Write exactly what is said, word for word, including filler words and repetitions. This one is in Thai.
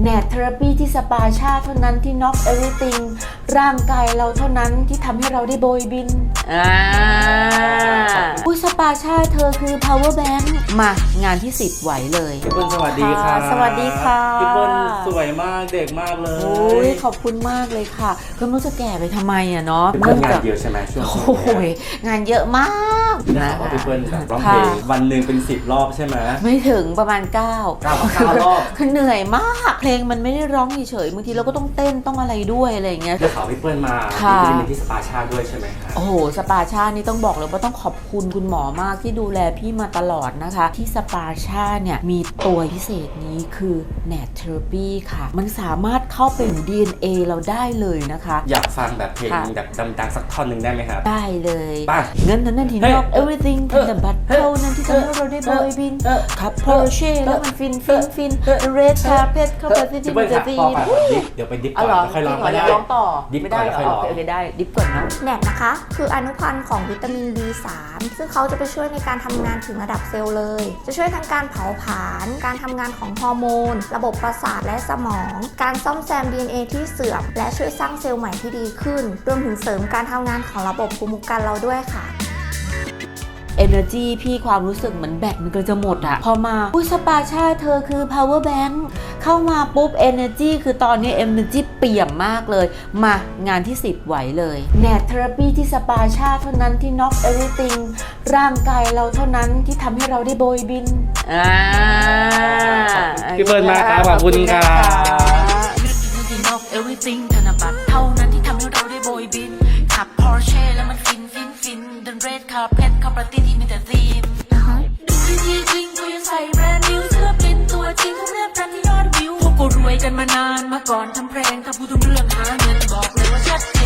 แนทเทอราปีที่สปาชาเท่านั้นที่ knock everything ร่างกายเราเท่านั้นที่ทำให้เราได้โบยบินอ่าอุ้ยสปาชาเธอคือ power bank มางานที่สิบไหวเลยพี่เปิ้ลสวัสดีค่ะสวัสดีค่ะพี่เปิ้ลสวยมากเด็กมากเลยโอ้ยขอบคุณมากเลยค่ะก็ไม่รู้จะแก่ไปทำไมอ่ะเนาะพี่เปิ้ลงานเยอะใช่ไหมช่วงนี้โอ้ยงานเยอะมากนะว่าพี่เปิ้ลแบบร้องเพลงวันหนึ่งเป็นสิบรอบใช่ไหมไม่ถึงประมาณเก้าเก้าเก้ารอบคือเหนื่อยมากเพลงมันไม่ได้ร้องเฉยๆบางทีเราก็ต้องเต้นต้องอะไรด้วยอะไรอย่างเงี้ยได้ข่าวพี่เปิ้ลมาที่เป็นที่สปาชาด้วยใช่ไหมคะโอ้โหสปาชานี่ต้องบอกเลยว่าต้องขอบคุณคุณหมอมากที่ดูแลพี่มาตลอดนะคะที่สปาชาเนี่ยมีตัวพิเศษนี้คือแนทเทอราปีค่ะมันสามารถเข้าไปใน ดี เอ็น เอ เราได้เลยนะคะอยากฟังแบบเพลงแบบดังๆสักท่อนหนึ่งได้ไหมครับได้เลยเงินนั้นที่ knock everything แต่บัตรเท่านั้นที่ทำให้เราได้โบยบินขับ Porsche แล้วมันฟินฟินฟิน red carpet เข้าไปที่ที่จะฟีนเดี๋ยวไปดิฟก่อนค่อยร้องก็ได้ร้องต่อดิฟไม่ได้ค่อยร้องโอเคได้ดิฟก่อนนะแนทนะคะคืออนุพันธ์ของวิตามิน บี สาม ซึ่งเขาจะไปช่วยในการทำงานถึงระดับเซลล์เลยจะช่วยทั้งการเผาผลาญการทำงานของฮอร์โมนระบบประสาทและสมองการซ่อมแซม ดี เอ็น เอ ที่เสื่อมและช่วยสร้างเซลล์ใหม่ที่ดีขึ้นรวมถึงเสริมการทำงานของระบบภูมิคุ้มกันเราด้วยค่ะ Energy พี่ความรู้สึกเหมือนแบตมันก็จะหมดอะพอมาอุ้ยสปาชาเธอคือ power bank เข้ามาปุ๊บ Energy คือตอนนี้ Energy เปี่ยมมากเลยมางานที่สิบไหวเลยแนทเทอราปีที่สปาชาเท่านั้นที่ knock everything ร่างกายเราเท่านั้นที่ทำให้เราได้โบยบินอ่าพี่เปิ้ลมากครับขอบคุณค่ะ knock everything ธนบัตรเท่านั้นที่ทำให้เราได้โบยบินขับ Porsche แล้วมันฟินฟินฟินเดิน red carpet เข้าปาร์ตี้ที่มีแต่ธีมดูที่ที่จริงกูยังใส่แบรนด์นิวเสื้อเป็นตัวจริงของเรื่องกันที่ยอดวิวพวกกูรวยกันมานานมาก่อนทำเพลงถ้าพูดถึงเรื่องหาเงินบอกเลยว่าชัด